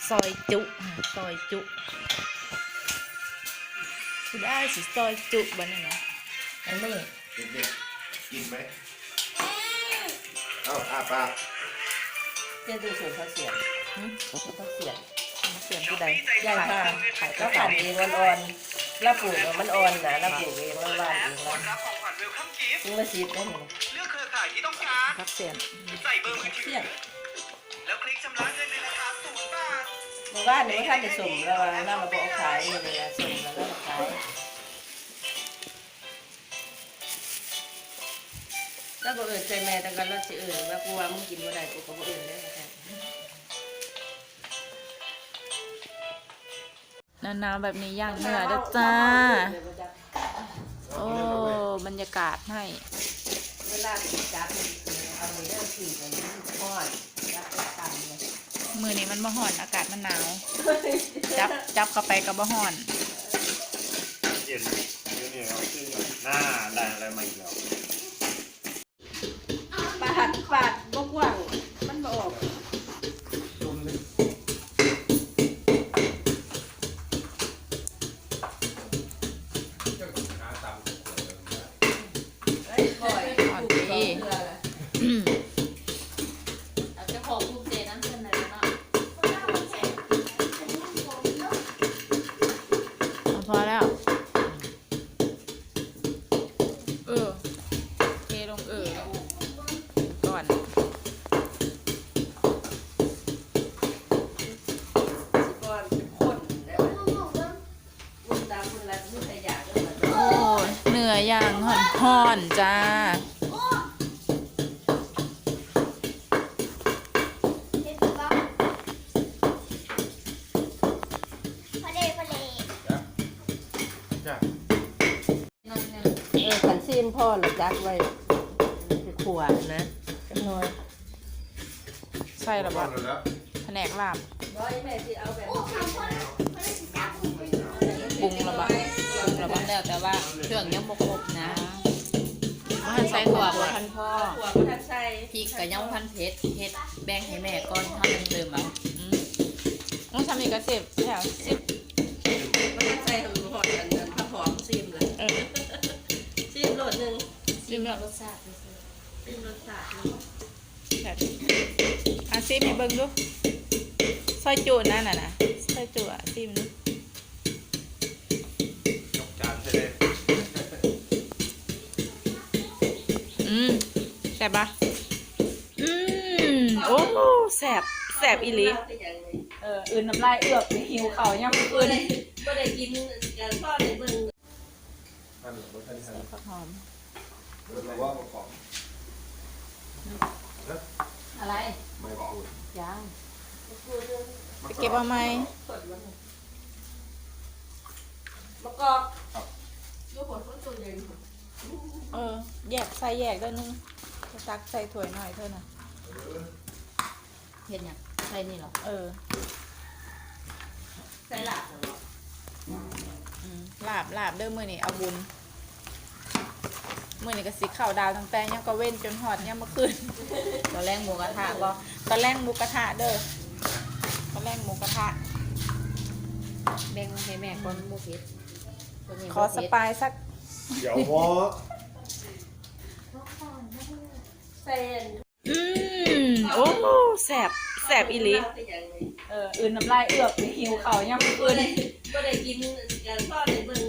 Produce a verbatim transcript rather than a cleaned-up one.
ซอยจุซอยจุคุณได้สิซอยจุบ้านนี่นะอันนี้เด็กๆกินไหมเอ้าอาปากเจ้าดูสูตรเขาเสียบเขาเสียบเสียงที่ใดย่างค่ะขายก็ขันเองมันอ่อนแล้วปลูกมันอ่อนนะแล้วปลูกเองมันหวานเองแล้วรับของขวัญเวลคัมกิฟต์มึงมาซีดได้ไหมเลือกเครือข่ายที่ต้องการพักเสียงใส่เบอร์มือถืเสีอยบแล้วคลิกชำระเงินในราคาศูนย์บาทหมู่บ้านนี้ท่านจะสุ่มแล้วนั่งมาบอกขายนี่เลยนะสุ่มแล้วก็ขายแล้วก็เอื่นใจแม่แต่กันแล้วสิเอื่นว่ากูว่ามึงกินเมื่อไหร่กูก็บ่เอื่นได้แค่หนาวๆแบบนี้ย่างเนื้อเด้อจ้าโอ้บรรยากาศให้เวลาจับเอาเรื่องสี่กันทอดจับไปตำเลยมือนี้มันบ่ฮ้อนอากาศมันหนาวจับจับเข้าไปก็บ่ฮ้อนเย็นเดี๋ยวนี้เขาซื้อหน้าได้อะไรมาอีกแล้วปาดปาดบกว่างมันบออกจุ่มเลยไอ้ก่อยอ่อนดี อืมเราจะขอภูมิใจน้ำเงินหน่อยนะเอาพอแล้ว เออเทลงเออก่อนสิก่อนคนได้ไหมมุนตามมุนรัดมุนขยะก็เหมือนโอ้เนื้อย่างห่อนห่อนๆจ้าจ้ะน้อยหนึงเออขันซีนพ่อหรือจักไว้คือขวดนะจังน้อยใส่ระบ้าบานแล้วแผนกลาบร้อยแม่ที่เอาแบบปรุงระบาปรุงระบาแล้วแต่ว่าเครื่องยังบ่ครบนะท่านใส่ถั่วบ่บ่ทันพ่อขวดก็ทันใส่พริกกับยังพันเผ็ดเฮ็ดแบ่งให้แม่ก่อนทำเติมเอาอืมต้องทำอีกกระสิบแถวสิบมันทันใส่หอมหอมกันนั้นถ้าหอมซีมเลยเออซีมโหลดหนึ่งสิบแล้วรสชาติซื่อซีมรสชาติแบบอ่ะซิมให้เบิ่งดูซอยจูนั่นน่ะนะซอยจูอ่ะซิมดูยกจานใช่ไหมอืมแซ่บปะอืมโอ้แซ่บแซ่บอีหลีเอออื่นน้ำลายเอือกหิวเข่ายังก็อื่นได้ก็ได้กินกันพ่อได้เบิ่งท่านหรือว่าท่านท่านผักหอมเราว่าประกอบๆอะไรไม่พูดยังไปเก็บเอาไหมมะกอกลูกผลต้นตัวเย็นเออแยกใส่แยกด้วยนึงจะตักใส่ถ้วยหน่อยเท่านั้นเฮ็ดหยังใส่นี่เหรอเออใส่หลักอืมลาบลาบเด้อมื้อนี้เอาบุญมื้อนี้ก็สิข้าวดาวตั้งแต่ยังก็เว้นจนฮอดยังเมื่อคืนตอนแรกหมูกระทะบ่ตอนแรกหมูกระทะเด้อตอนแรกหมูกระทะแบ่งให้แม่ก่อนบ่เผ็ดตัวนี้ขอบ่สเผ็ดปายสักเดี๋ยววอเส้นอืมโอ้แสบแสบอีหลีเอออื่นน้ำลายเอือกหิวเข่ายังก็อื่นได้ก็ได้กินกันพ่อได้เบิ่ง